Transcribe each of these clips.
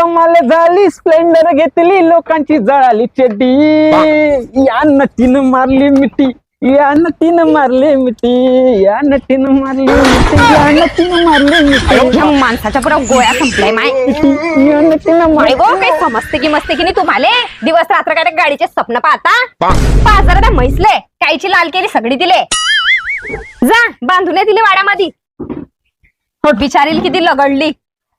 कमाल झाली, स्प्लेंडर घेतली, लोकांची जळाली चड्डी, या नटीनं मारली मिठी, या नटीनं मारली मिठी, या नटीनं मारली मिठी, या नटीनं मारली मिठी, ह्या माणसाच्या पुरा गोळ्या संपलाय माय. या नटीनं माय गो, काही समजते की मस्ते की नाही तुम्हाला? दिवस रात्र काय गाडीचे स्वप्न पाहता? पाच त्या म्हैसले कायची लाल केली सगळी दिले. जा बांधून दिले वाड्यामध्ये. बिचारील किती लगडली.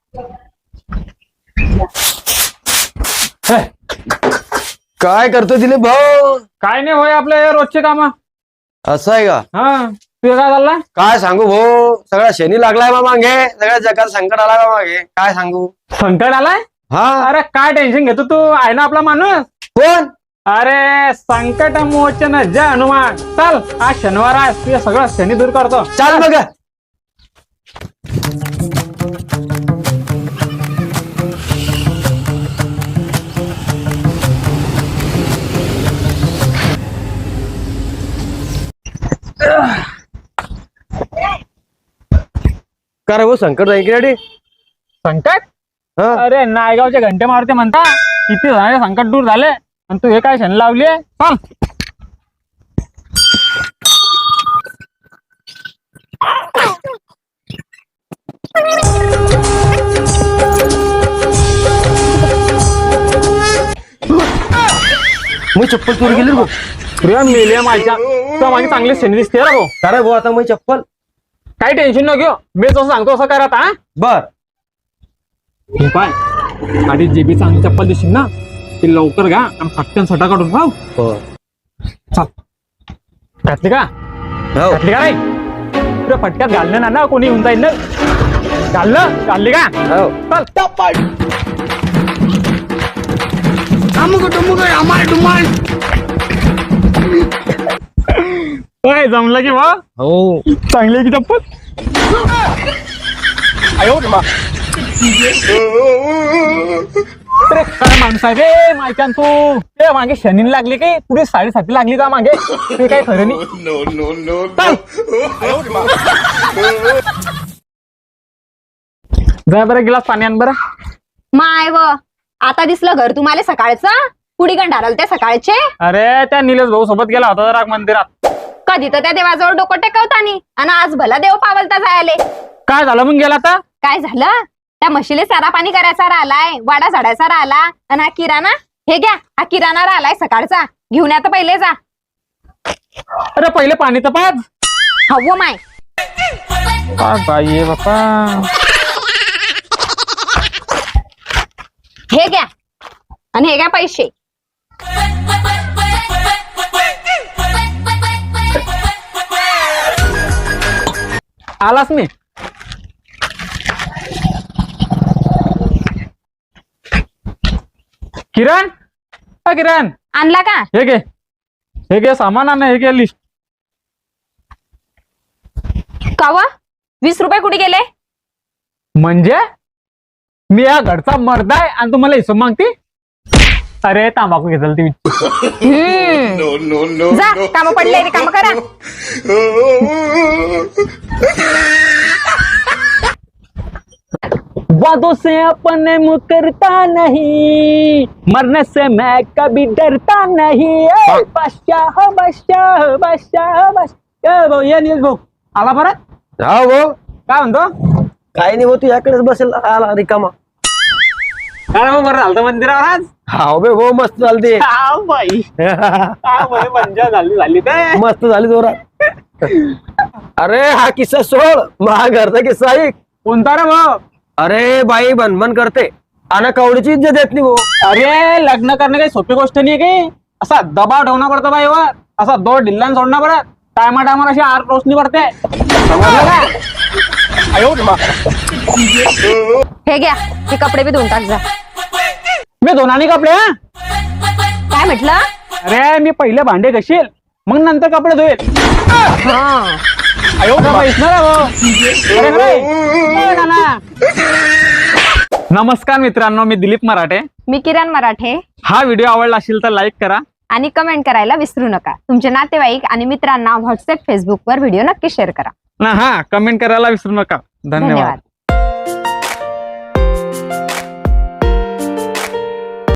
काय करतो दिलीप भाऊ? काय नाही होय आपल्या रोजचे काम. असं आहे का? हा तुझं काय चालला? काय सांगू भाऊ, सगळा शनी लागलाय बा मागे, सगळ्या जगात संकट आला बा मागे. काय सांगू? संकट आलाय? हा. अरे काय टेन्शन घेतो तू, आहे ना आपला माणूस. कोण? अरे संकट मोचन जय हनुमान. चल आज शनिवार आहे, तुझं सगळं शनी दूर करतो. चाल बघ. का रे भाऊ, संकट जाईल की रेडी? संकट? हा. अरे नायगावचे घंटे मारते म्हणता, किती जणांचे संकट दूर झाले आणि तू हे काय शनी लावली? चल मी चप्पल चोरी गेली रे भाऊ. प्रिया मेले माझ्या, तुला माझी चांगली शनी दिसते रे भाऊ. का रे भाऊ, आता मी चप्पल. काही टेन्शन न घेऊ, मी जसं सांगतो असं करा आता. बर. हे पाय, आधी जे बी चांगली चप्पल दिसतील ना ती लवकर घ्या आणि फटकन सटा काढून राहू. चल घातली का? हो. घातली का नाही? तुला फटक्यात घालणं ना कोणी येऊन जाईल ना. घालली का? हो. चल काय जमलं की बा? हो. चांगली आहे की चप्पल? आयो मा. अरे काय माणूस आहे रे मायच्यान तू. ते मागे शनी लागली की पुढे साडेसाती लागली का मागे? ते काय खरं नाही. चल. जा बरं गिलास पाणी आण बरं. माय व आता दिसलं घर तुम्हाला सकाळचं? पुढी गंडाराल ते सकाळचे. अरे त्या निलेश भाऊ सोबत गेला होता जरा मंदिरात. कधी तर त्या देवाजवळ डोकं टेकवतानी आणि आज भला देव पावलता जायले. काय झालं मग गेला आता? काय झालं? त्या म्हशीले चारा पाणी करायचा राहिलाय, वाडा झाडायचा राहिला आणि हा किराणा हे घ्या. हा किराणा राहिलाय सकाळचा, घेऊन आता पहिले जा. अरे पहिले पाणी तर पाज. हवं माय. बाई बाप्पा. हे घ्या आणि हे घ्या पैसे. आलाच नाही. किरण, किरण आणला का? हे घे सामान आण. हे घे लिस्ट. कावा 20 रुपये कुठे गेले? म्हणजे मी या घरचा मर्द आहे आणि तुम्हाला हिशोब मागती? अरे तांबाखू घेतल ती. जा काम पडले काम करा. वादों से अपने मुकरता नहीं, मरने से मैं कभी डरता नहीं. बादशाह बादशाह बादशाह बादशाह. भाऊ ये नील भाऊ आला परत. हा भाऊ. काय म्हणतो? काही नाही भाऊ, तू याकडेच बसेल आला रिकामा. काय भाऊ बरं झालं मंदिरावर आज? हा बे भाऊ, मस्त चालते. बाई मजा झाली ते. मस्त झाली जोरात. अरे हा किस्सा सोड, माझा घरचा किस्सा ऐक. कोणता रे भाऊ? अरे बाई बनबन करते आणि कवडीची इज्जत देत नाही भाऊ. अरे लग्न करणे काही सोपी गोष्ट नाही काही. असा दबाव ठेवणं पडतं बाईवर, असा दो ढिल्लान सोडणं पडत. टायमाला अशी आर रोशनी पडते. समजलं का? हे घ्या, हे कपडे बी धुवून टाक जा. मी धुनानी कपडे? काय म्हटलं? अरे मी पहिले भांडे घशील मग नंतर कपडे धुईल. हा नमस्कार मित्रांनो, मी दिलीप मराठे. मी किरण मराठे. हा व्हिडिओ आवडला असेल तर लाईक करा आणि कमेंट करायला विसरू नका. तुमचे नातेवाईक आणि मित्रांना व्हॉट्सअप फेसबुक वर व्हिडिओ नक्की शेअर करा. हा कमेंट करायला विसरू नका. धन्यवाद.